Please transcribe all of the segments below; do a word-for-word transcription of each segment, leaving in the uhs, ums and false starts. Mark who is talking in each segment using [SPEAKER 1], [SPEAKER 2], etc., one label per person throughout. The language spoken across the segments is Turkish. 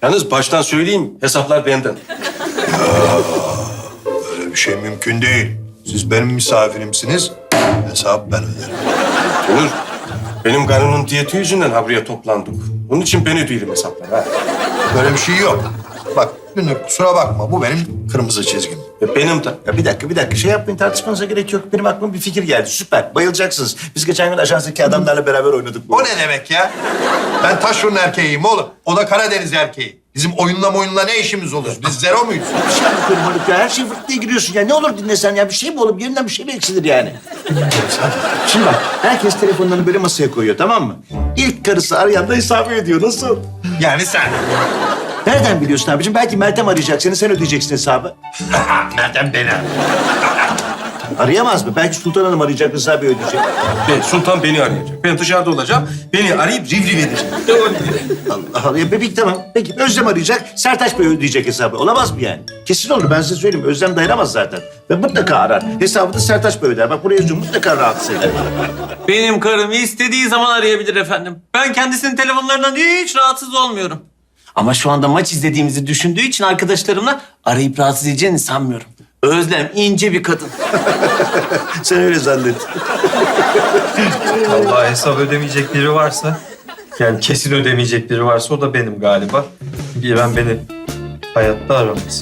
[SPEAKER 1] Yalnız baştan söyleyeyim, hesaplar benden.
[SPEAKER 2] Öyle bir şey mümkün değil. Siz benim misafirimsiniz, hesabı ben öderim.
[SPEAKER 1] Onur, benim karının diyeti yüzünden ha buraya toplandık. Bunun için ben ödeyeyim hesapları ha.
[SPEAKER 2] Böyle bir şey yok. Bak Dünür kusura bakma, bu benim kırmızı çizgim.
[SPEAKER 1] Ya benim de.
[SPEAKER 3] Ya bir dakika, bir dakika. Şey yapmayın, tartışmanıza gerek yok. Benim aklıma bir fikir geldi. Süper, bayılacaksınız. Biz geçen gün ajanstaki adamlarla beraber oynadık.
[SPEAKER 2] O ne demek ya? Ben taşrun erkeğiyim oğlum. O da Karadeniz erkeği. Bizim oyunla oyunla ne işimiz olur? Biz zero muyuz?
[SPEAKER 3] Bir şey yapıyorum Haluk ya. Her şey fırt diye giriyorsun ya. Ne olur dinlesen ya. Bir şey mi olur? Birinden bir şey mi eksilir yani? Şimdi bak, herkes telefonlarını böyle masaya koyuyor, tamam mı? İlk karısı arayan da hesabı ödüyor. Nasıl?
[SPEAKER 2] Yani sen.
[SPEAKER 3] Nereden biliyorsun abicim? Belki Meltem arayacak seni, sen ödeyeceksin hesabı.
[SPEAKER 2] Nereden beni?
[SPEAKER 3] Arayamaz mı? Belki Sultan Hanım arayacak, hesabı ödeyecek.
[SPEAKER 1] Ben, Sultan beni arayacak. Ben dışarıda olacağım. Beni arayıp rivriv edecek.
[SPEAKER 3] Allah Allah. Ya peki tamam. Peki Özlem arayacak, Sertaç Bey ödeyecek hesabı. Olamaz mı yani? Kesin olur, ben size söyleyeyim. Özlem dayanamaz zaten. Ve mutlaka arar. Hesabı da Sertaç Bey öder. Bak buraya yazıyorum, mutlaka rahatsız eder.
[SPEAKER 4] Benim karım istediği zaman arayabilir efendim. Ben kendisinin telefonlarından hiç rahatsız olmuyorum. Ama şu anda maç izlediğimizi düşündüğü için arkadaşlarımla arayıp rahatsız edeceğini sanmıyorum. Özlem ince bir kadın.
[SPEAKER 3] Sen öyle zannet.
[SPEAKER 5] Allah hesap ödemeyecek biri varsa, yani kesin ödemeyecek biri varsa o da benim galiba. Bilen beni hayatta aramaz.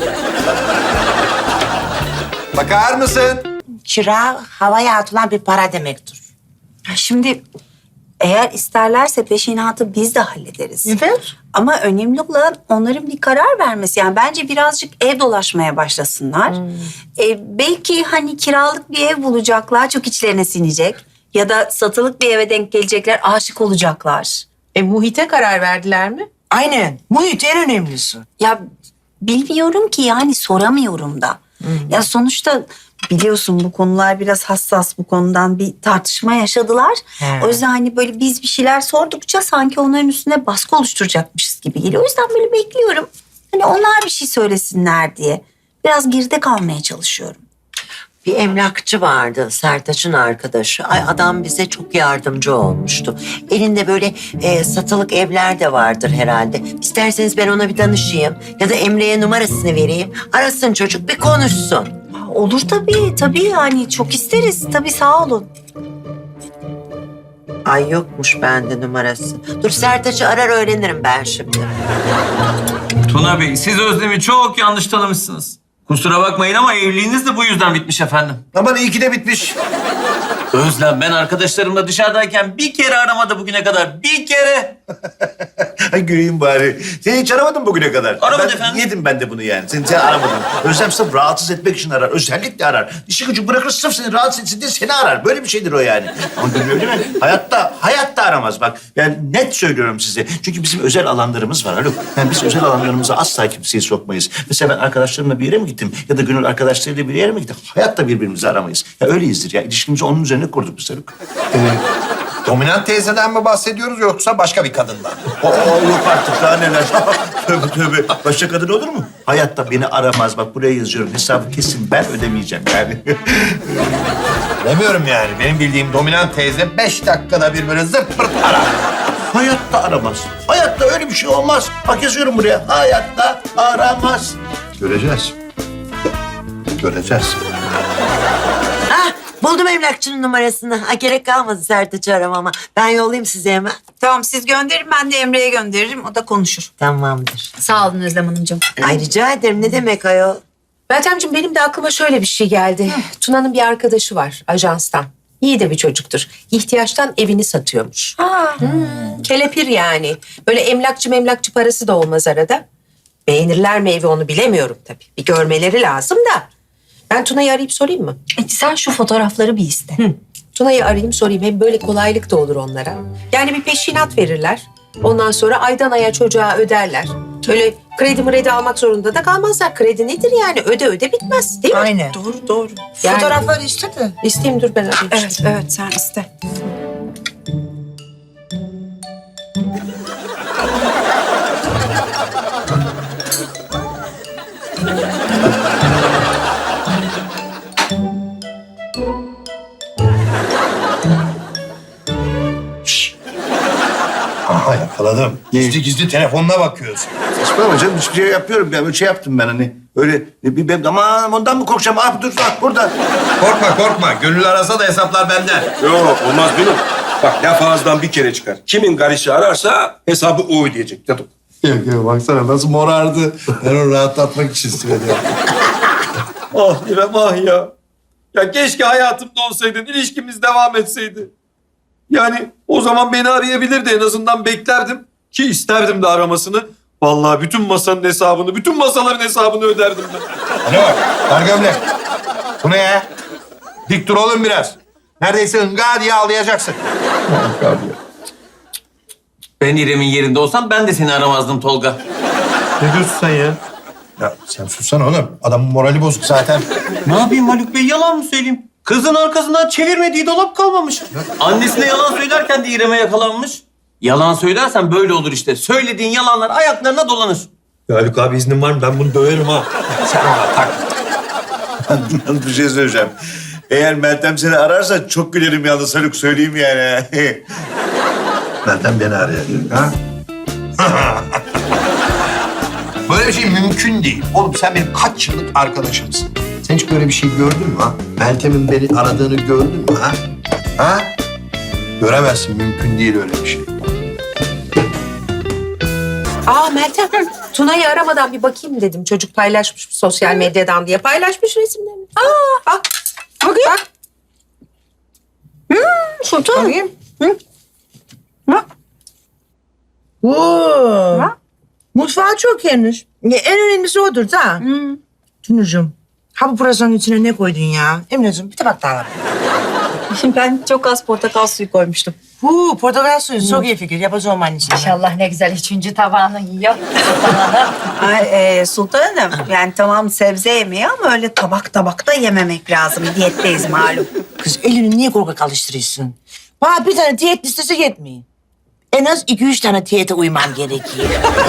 [SPEAKER 2] Bakar mısın?
[SPEAKER 6] Kira havaya atılan bir para demektir.
[SPEAKER 7] Şimdi eğer isterlerse peşinatı biz de hallederiz.
[SPEAKER 6] Evet.
[SPEAKER 7] Ama önemli olan onların bir karar vermesi. Yani bence birazcık ev dolaşmaya başlasınlar. E, belki hani kiralık bir ev bulacaklar, çok içlerine sinecek. Ya da satılık bir eve denk gelecekler, aşık olacaklar.
[SPEAKER 8] E muhite karar verdiler mi?
[SPEAKER 6] Aynen. Muhit en önemlisi.
[SPEAKER 7] Ya bilmiyorum ki, yani soramıyorum da. Ya sonuçta biliyorsun bu konular biraz hassas, bu konudan bir tartışma yaşadılar.
[SPEAKER 6] He.
[SPEAKER 7] O yüzden hani böyle biz bir şeyler sordukça sanki onların üstüne baskı oluşturacakmışız gibi geliyor. O yüzden böyle bekliyorum. Hani onlar bir şey söylesinler diye. Biraz geride kalmaya çalışıyorum.
[SPEAKER 6] Bir emlakçı vardı, Sertaç'ın arkadaşı. Ay adam bize çok yardımcı olmuştu. Elinde böyle e, satılık evler de vardır herhalde. İsterseniz ben ona bir danışayım. Ya da Emre'ye numarasını vereyim. Arasın çocuk, bir konuşsun.
[SPEAKER 7] Olur tabii, tabii yani çok isteriz. Tabii, sağ olun.
[SPEAKER 6] Ay yokmuş bende numarası. Dur Sertaç'ı arar öğrenirim ben şimdi.
[SPEAKER 4] Tuna Bey, siz Özlem'i çok yanlış tanımışsınız. Kusura bakmayın ama evliliğiniz de bu yüzden bitmiş efendim.
[SPEAKER 3] Aman iyi ki de bitmiş.
[SPEAKER 4] Özlem, ben arkadaşlarımla dışarıdayken bir kere aramadı bugüne kadar. Bir kere.
[SPEAKER 3] Ay güleyim bari. Seni hiç aramadın bugüne kadar.
[SPEAKER 4] Aramadı
[SPEAKER 3] ben,
[SPEAKER 4] efendim.
[SPEAKER 3] Yedim ben de bunu yani. Seni, seni aramadın. Özlem sırf rahatsız etmek için arar. Özellikle arar. İşi gücü bırakır sırf seni rahatsız etsin diye seni arar. Böyle bir şeydir o yani. Ama Gönül öyle mi? Hayatta, hayatta aramaz bak. Yani net söylüyorum size. Çünkü bizim özel alanlarımız var Haluk. Yani biz özel alanlarımıza asla kimseyi sokmayız. Mesela ben arkadaşlarımla bir yere mi gittim? Ya da Gönül arkadaşlarıyla bir yere mi gittim? Hayatta birbirimizi aramayız. Ya öyleyizdir ya. İlişkimizi onun üzerine kurduk biz Haluk.
[SPEAKER 2] Dominant teyzeden mi bahsediyoruz yoksa başka bir kadından?
[SPEAKER 3] Aa, yok artık daha neler. Tövbe tövbe. Başka kadın olur mu? Hayatta beni aramaz. Bak buraya yazıyorum. Hesabı kesin ben ödemeyeceğim yani.
[SPEAKER 2] Demiyorum yani. Benim bildiğim dominant teyze beş dakikada bir böyle zırt pırt arar.
[SPEAKER 3] Hayatta aramaz. Hayatta öyle bir şey olmaz. Bak yazıyorum buraya. Hayatta aramaz.
[SPEAKER 2] Göreceğiz. Göreceğiz.
[SPEAKER 6] Hah, buldum emlakçının numarasını. Ha, gerek kalmadı Sertaç'ı aramama. Ben yollayayım size hemen.
[SPEAKER 7] Tamam, siz gönderin, ben de Emre'ye gönderirim. O da konuşur.
[SPEAKER 6] Tamamdır.
[SPEAKER 7] Sağ olun Özlem Hanımcığım.
[SPEAKER 6] Ay rica ederim. Ne demek ayol?
[SPEAKER 8] Meltemciğim, benim de aklıma şöyle bir şey geldi. Tuna'nın bir arkadaşı var ajanstan. İyi de bir çocuktur. İhtiyaçtan evini satıyormuş. Hmm, kelepir yani. Böyle emlakçı memlakçı parası da olmaz arada. Beğenirler mi evi onu bilemiyorum tabii. Bir görmeleri lazım da. Ben Tuna'yı arayıp sorayım mı?
[SPEAKER 7] E, sen şu fotoğrafları bir iste.
[SPEAKER 8] Hı. Tuna'yı arayayım sorayım. Hem böyle kolaylık da olur onlara. Yani bir peşinat verirler. Ondan sonra aydan aya çocuğa öderler. Öyle kredi mredi almak zorunda da kalmazlar. Kredi nedir yani? Öde öde bitmez değil mi?
[SPEAKER 6] Aynen.
[SPEAKER 7] Doğru, doğru.
[SPEAKER 8] Yani-
[SPEAKER 6] Fotoğrafları istedi.
[SPEAKER 8] İsteyeyim dur ben arayayım.
[SPEAKER 7] Evet, evet, sen iste.
[SPEAKER 2] Aha yakaladım. Yakaladım. Gizli gizli telefonuna bakıyorsun.
[SPEAKER 3] Saçmalama canım, hiçbir şey yapıyorum. Ben böyle şey yaptım ben hani. Öyle bir ben aman ondan mı korkacağım? Ah dur bak burada.
[SPEAKER 2] Korkma korkma. Gönül arasa da hesaplar benden.
[SPEAKER 1] Yok olmaz benim. Bak laf ağızdan bir kere çıkar. Kimin karısı ararsa hesabı o ödeyecek. Dedim.
[SPEAKER 2] Yok yok baksana nasıl morardı. Ben onu rahatlatmak için söyledim.
[SPEAKER 5] Ah İrem ah ya. Ya keşke hayatımda olsaydın, ilişkimiz devam etseydi. Yani o zaman beni arayabilirdi, en azından beklerdim. Ki isterdim de aramasını. Vallahi bütün masanın hesabını, bütün masaların hesabını öderdim ben.
[SPEAKER 2] Ne var? Dar gömlek. Bu ne ya? Dik dur oğlum biraz. Neredeyse ınga diye ağlayacaksın.
[SPEAKER 4] Ben İrem'in yerinde olsam ben de seni aramazdım Tolga.
[SPEAKER 5] Ne diyorsun sen ya?
[SPEAKER 2] Ya sen sussana oğlum. Adamın morali bozuk zaten.
[SPEAKER 4] Ne yapayım Haluk Bey, yalan mı söyleyeyim? Kızın arkasından çevirmediği dolap kalmamış. Annesine yalan söylerken de İrem'e yakalanmış. Yalan söylersen böyle olur işte. Söylediğin yalanlar ayaklarına dolanır.
[SPEAKER 5] Ya Haluk abi iznin var mı? Ben bunu döverim ha.
[SPEAKER 3] Bir şey söyleyeceğim. Eğer Meltem seni ararsa çok gülerim yalnız Haluk, söyleyeyim yani.
[SPEAKER 2] Meltem beni arayacak ha? Böyle bir şey mümkün değil. Oğlum sen benim kaç yıllık arkadaşımsın. Sen hiç böyle bir şey gördün mü ha? Meltem'in beni aradığını gördün mü ha? Ha? Göremezsin. Mümkün değil öyle bir şey.
[SPEAKER 8] Aa Meltem, Tuna'yı aramadan bir bakayım dedim. Çocuk paylaşmış sosyal medyadan diye. Paylaşmış resimlerini. Aa, bak. Bakayım. Bak.
[SPEAKER 7] Sultan.
[SPEAKER 8] Bakayım.
[SPEAKER 9] Oo. Mutfağı çok geniş. Ya, en önemlisi odur da. Hmm. Tunucuğum, ha bu pırasanın içine ne koydun ya? Emine'cim bir tabak daha var.
[SPEAKER 7] Ben çok az portakal suyu koymuştum.
[SPEAKER 9] Huu, portakal suyu çok iyi fikir. Yapacağım annesine.
[SPEAKER 10] İnşallah ne güzel üçüncü tabağını yiyor.
[SPEAKER 7] Ay, e, Sultan Hanım, yani tamam sebze yemeği ama öyle tabak tabak da yememek lazım. Diyetteyiz malum.
[SPEAKER 9] Kız elini niye korkak alıştırıyorsun? Bana bir tane diyet listesi yetmiyor. En az iki üç tane diyete uymam gerekiyor.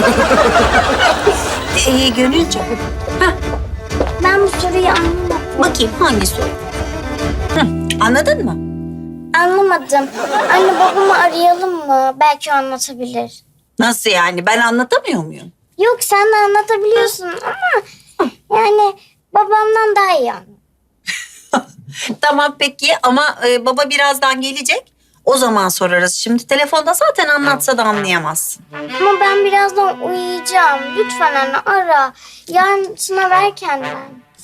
[SPEAKER 7] E, Gönülcüm. Hah,
[SPEAKER 10] Ben bu soruyu anlamadım.
[SPEAKER 7] bakayım hangi soru? Hı, anladın mı?
[SPEAKER 10] Anlamadım. Anne babamı arayalım mı? Belki o anlatabilir.
[SPEAKER 7] Nasıl yani? Ben anlatamıyor muyum?
[SPEAKER 10] Yok sen de anlatabiliyorsun ama yani babamdan daha iyi anlat.
[SPEAKER 7] Tamam peki ama e, baba birazdan gelecek. O zaman sorarız. Şimdi telefonda zaten anlatsa da anlayamazsın.
[SPEAKER 10] Ama ben birazdan uyuyacağım. Lütfen anne ara. Yarın sınav erkenden.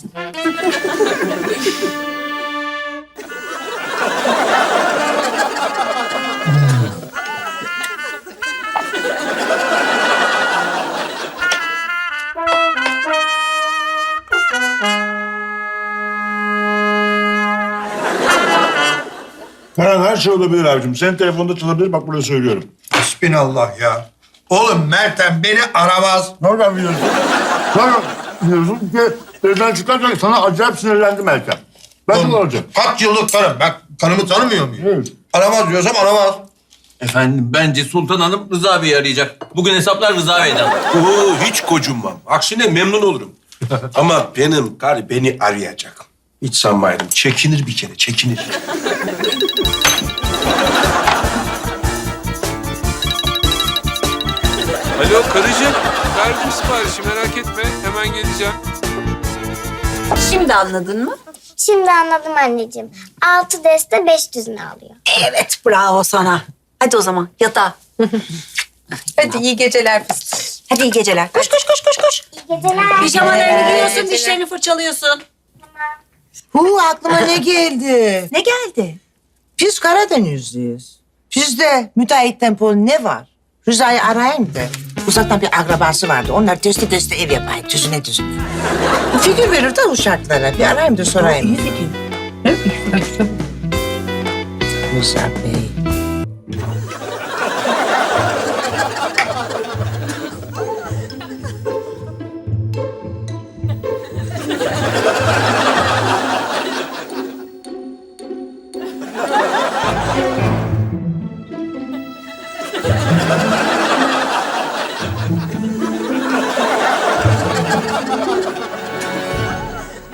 [SPEAKER 3] Her, her şey olabilir abicim. Senin telefonda çalabilir, bak burada söylüyorum.
[SPEAKER 2] Hasbinallah ya. Oğlum Meltem beni aramaz.
[SPEAKER 3] Nereden biliyorsun? Nereden biliyorsun ki evden çıkarken sana acayip sinirlendim Meltem. Ben de olacağım.
[SPEAKER 2] Kaç yıllık karım. Ben karımı tanımıyor muyum?
[SPEAKER 3] Evet.
[SPEAKER 2] Aramaz diyorsam aramaz.
[SPEAKER 4] Efendim bence Sultan Hanım Rıza Bey'i arayacak. Bugün hesaplar Rıza Bey'den.
[SPEAKER 1] Oo, hiç kocunmam. Aksine memnun olurum. Ama benim karı beni arayacak. Hiç sanmayalım. Çekinir bir kere, çekinir.
[SPEAKER 11] Alo karıcığım. Verdim siparişi merak etme. Hemen geleceğim.
[SPEAKER 7] Şimdi anladın mı?
[SPEAKER 10] Şimdi anladım anneciğim. Altı deste beş düzine alıyor.
[SPEAKER 7] Evet, bravo sana. Hadi o zaman yatağa.
[SPEAKER 8] Hadi iyi geceler fıstık.
[SPEAKER 7] Hadi iyi geceler. Koş koş koş koş koş.
[SPEAKER 10] İyi geceler.
[SPEAKER 7] Pijamalarını giyiyorsun, dişlerini fırçalıyorsun.
[SPEAKER 9] Huu, aklıma ne geldi?
[SPEAKER 7] Ne geldi?
[SPEAKER 9] Biz Karadenizliyiz. Bizde müteahhit tempolu ne var? Rıza'yı arayayım da. Uzaktan bir akrabası vardı. Onlar testi testi ev yapayım. Düzüne düzüne. Fikir verir de uşaklara. Bir arayayım da sorayım. İyi fikir. Rıza Bey.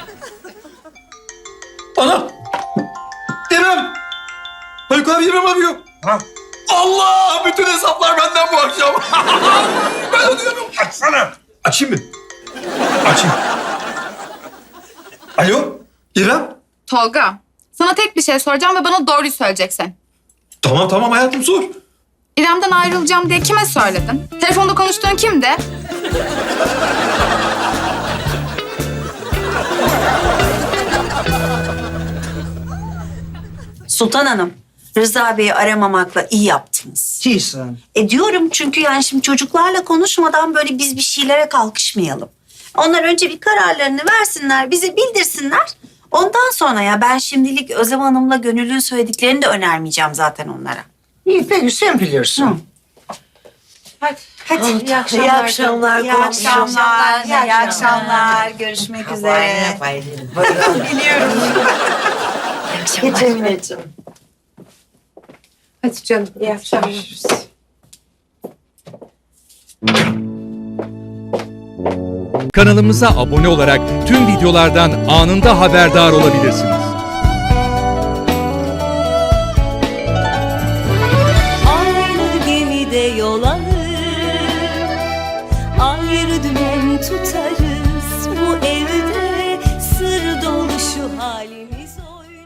[SPEAKER 5] Anam! İrem! Haluk abi İrem arıyor.
[SPEAKER 1] açsana.
[SPEAKER 5] Açayım mı? Açayım. Alo İrem.
[SPEAKER 12] Tolga, sana tek bir şey soracağım ve bana doğruyu söyleyeceksin.
[SPEAKER 5] Tamam tamam hayatım sor.
[SPEAKER 12] İrem'den ayrılacağım diye kime söyledin? Telefonda konuştuğun kimdi?
[SPEAKER 7] Sultan Hanım, Rıza Bey'i aramamakla iyi yaptınız.
[SPEAKER 9] Çiğsin.
[SPEAKER 7] E diyorum çünkü yani şimdi çocuklarla konuşmadan böyle biz bir şeylere kalkışmayalım. Onlar önce bir kararlarını versinler, bize bildirsinler. Ondan sonra ya ben şimdilik Özlem Hanım'la Gönül'ün söylediklerini de önermeyeceğim zaten onlara.
[SPEAKER 9] İyi peki sen bilirsin.
[SPEAKER 8] Hadi.
[SPEAKER 7] Hadi.
[SPEAKER 8] İyi akşamlar.
[SPEAKER 6] İyi akşamlar.
[SPEAKER 7] İyi akşamlar. İyi akşamlar. Görüşmek üzere. Biliyorum.
[SPEAKER 6] Getirmeyeceğim.
[SPEAKER 8] Hadi canım. İyi akşamlar.
[SPEAKER 13] Kanalımıza abone olarak tüm videolardan anında haberdar olabilirsiniz.
[SPEAKER 14] Aynı gemide yol alır, ayrı dümen tutar.